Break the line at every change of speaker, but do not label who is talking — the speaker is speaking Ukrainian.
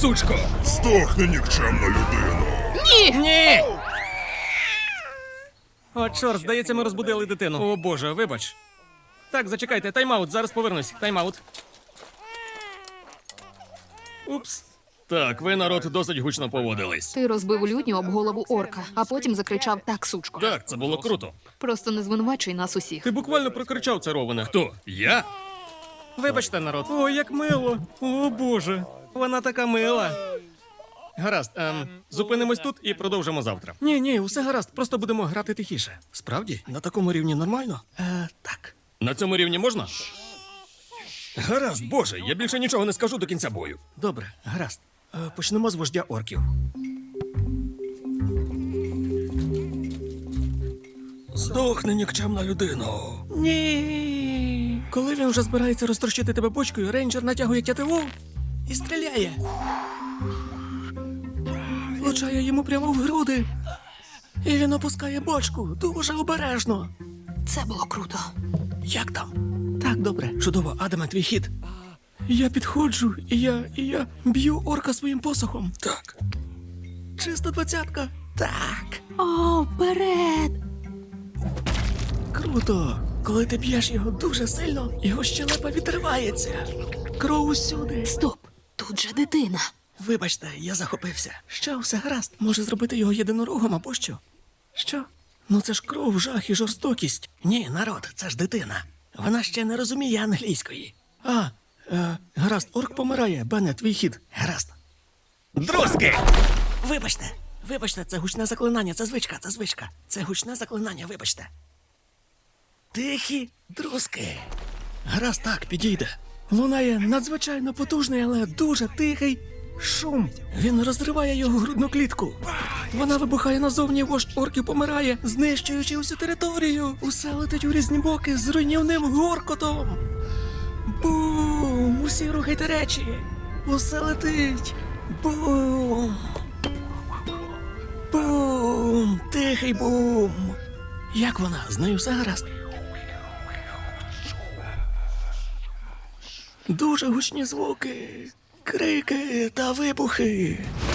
сучко!
Здохни, нікчемна людина!
Ні! О, чорт, здається, ми розбудили дитину. О, боже, вибач. Так, зачекайте, тайм-аут, зараз повернусь. Тайм-аут. Упс. Так, ви, народ, досить гучно поводились.
Ти розбив лютню об голову орка, а потім закричав «так, сучко».
Так, це було круто.
Просто не звинувачуй нас усіх.
Ти буквально прокричав це, Роване. Хто? Я? Вибачте, народ. О, як мило. О, боже. Вона така мила. Гаразд, зупинимось тут і продовжимо завтра. Ні, усе гаразд, просто будемо грати тихіше. Справді? На такому рівні нормально? Так. На цьому рівні можна? Гаразд, боже, я більше нічого не скажу до кінця бою. Добре, гаразд. Почнемо з вождя орків. Здохни, нікчемна людино. Ні. Коли він вже збирається розтрощити тебе бочкою, рейнджер натягує тятиву і стріляє. Влучає йому прямо в груди. І він опускає бочку дуже обережно.
Це було круто.
Як там? Так, добре. Чудово, Адаме, твій хід. Я підходжу, і я б'ю орка своїм посохом. Так. Чиста 20-ка. Так.
О, вперед!
Круто. Коли ти б'єш його дуже сильно, його щелепа відривається. Кров усюди.
Стоп, тут же дитина.
Вибачте, я захопився. Що, все гаразд? Може зробити його єдинорогом або що? Що? Ну це ж кров, жах і жорстокість. Ні, народ, це ж дитина. Вона ще не розуміє англійської. Гаразд, орк помирає. Бене, твій хід. Гаразд. Друзки! Вибачте, це гучне заклинання, це звичка. Це гучне заклинання, вибачте. Тихі друзки. Гаразд, так, підійде. Лунає надзвичайно потужний, але дуже тихий шум. Він розриває його грудну клітку. Вона вибухає назовні, вождь орків помирає, знищуючи усю територію. Усе летить у різні боки з руйнівним горкотом. Бум! Усі рухайте речі. Усе летить. Бум! Бум! Тихий бум! Як вона? З нею все гаразд? Дуже гучні звуки, крики та вибухи.